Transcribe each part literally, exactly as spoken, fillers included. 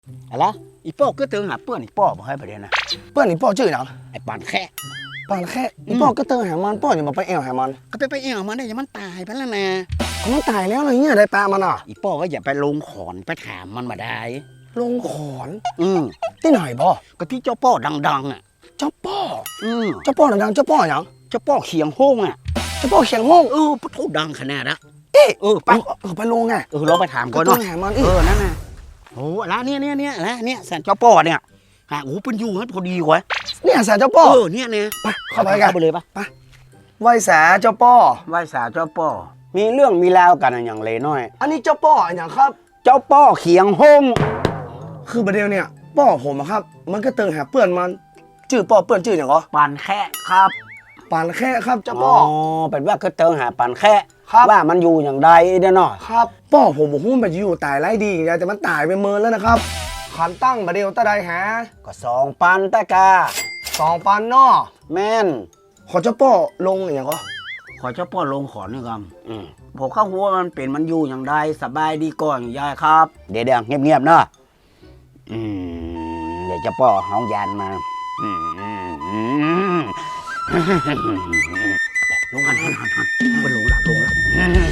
อะไรอีป้อก็เติงหาเปื้อนอีป้อบอกให้ประเด็นนะเปิ้ลนี่ป้อชื่อหยังไอ้ปานแค่ปานแค่อีป้อก็เติงหามันป้ออย่ามาไปแอวหามันก็ไปไปเอี่ยวมันได้ยังมันตายไปแล้วนะเขามันตายแล้วเลยเนี่ยได้ปลามันอ่ะอีป้อว่าอย่าไปลงขอนไปถามมันมาได้ลงขอนอืมที่ไหนพ่อก็ที่เจ้าป้อดังๆอ่ะเจ้าป้ออืมเจ้าป้อดังๆเจ้าป้อหยังเจ้าป้อเขียงโห้งอ่ะเจ้าป้อเขียงห้องเออปะทุดังขนาดละเอ๊ะเออไปเออไปลงไงเออเราไปถามก็ก่อนต้อเนาะงหามันอีเอก อนั่นน่ะโอ้ละเนี่ยเนี่ยเนี่ยละเนี่ยสันเจ้าป้อเนี่ยฮะโอ้เป็นอยู่ฮัทพอดีกว่าเนี่ยสาเจ้าป้อเออเนี่ยเนี่ยไปเข้าไปกันไปเลยปะไหวสาเจ้าป้อไหว้สาวเจ้าป้อมีเรื่องมีราวกันอย่างเลยน้อยอันนี้เจ้าป้ออย่างครับเจ้าป้อเขียงห้งคือประเดี๋ยวเนี่ยป้อผมอะครับ มันก็เติงหาเปื่อนมันชื่อป้อเปื่อนชื่ออย่างเหรอปานแค่ครับปานแค่ครับเจ้าป้อเป็นว่าคือเติงหาปานแค่ครับว่ามันอยู่อย่างใดเด้อเนาะครับป้อผมบอกว่ามันอยู่ตายไร้ดีอย่างเดียวแต่มันตายไปเมินแล้วนะครับขันตั้งประเดี๋ยวตะไดหาก็สองปันตะกาสองปันนอแม่นขอเจ้าป้อลงอย่างเหรอขอเจ้าป้อลงขอนนี่ครับอืมผมเข้าหัวมันเป็นมันอยู่อย่างใดสบายดีก่อนยายครับ เดี๋ยวเดี๋ยวเงียบๆเนาะอืมเดี๋ยวเจ้าป้อห้องยานมาอืมอืมอืมลงกันหันหันหันไปลงละลงละอืม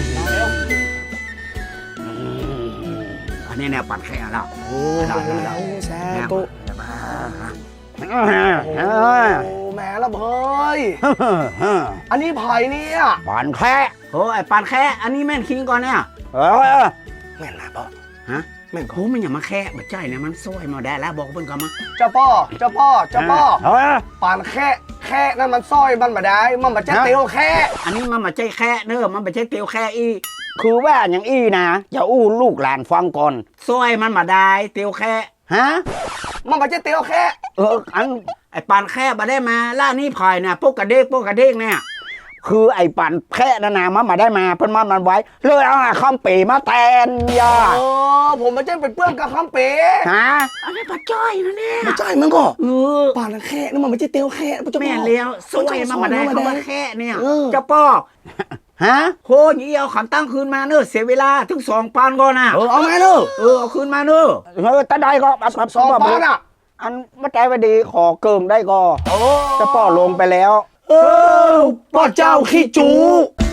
อืมอันนี้แนวปัดแค่แล้วโอ้ยได้ได้ได้แซ่แนวตุจะมาโอ้แม่ละเฮ้ยอันนี้ไผ่เนี่ยปานแค่โอ้ไอ้ปานแค่อันนี้แม่นคิงก่อนเนี่ยเออแม่นนะป้อฮะแม่นก่อนโอ้มันอย่ามาแค่บัดใจเนี่ยมันซวยมาได้แล้วบอกเพิ่นก่อนมาเจ้าป้อเจ้าป้อเจ้าป้อเออปานแค่แค่นั่นมันสร้อยมันมาได้มันมาจะเตียวแค่อันนี้มันมาใจแค่เนอะมันไม่ใช่เตียวแค่อีคือว่าอย่างอีนะอย่าอู้ลูกหลานฟังก่อนซวยมันมาได้เตียวแค่ฮะมันมาจะเตียวแค่เอออันไอ้ปานแค่มาได้มาล่านี่พายเนี่ยพวกกระเดกพวกกระเดกเนี่ยคือไอ้ปานแค่นานามันมาได้มาเพิ่นมันมันไว้เลยเอาข้ามปีมาแทนยาเออผมมาจะเป็นเพื่อนกับคำเป๋ฮะอันนี้ปัดจ้อยนะเนี่ยมาจ่ายมันก็เออปานแค่นั่นมันไม่ใช่เตียวแค่เจ้าป้อแม่เลี้ยวซวยมันมาได้เขามาแค่เนี่ยเออเจ้าป้อฮะโหยเอียวขันตั้งคืนมาเนอะเสียเวลาถึงสองปานก่อนนะเออเอาไงเนอะเออเอาคืนมาเนอะเออตาได้ก็อับสองปานอ่ะอันมาใจไว้ดีขอเกิงได้ก็โอ้เจ้าป้อลงไปแล้วเออป้อเจ้าขี้จู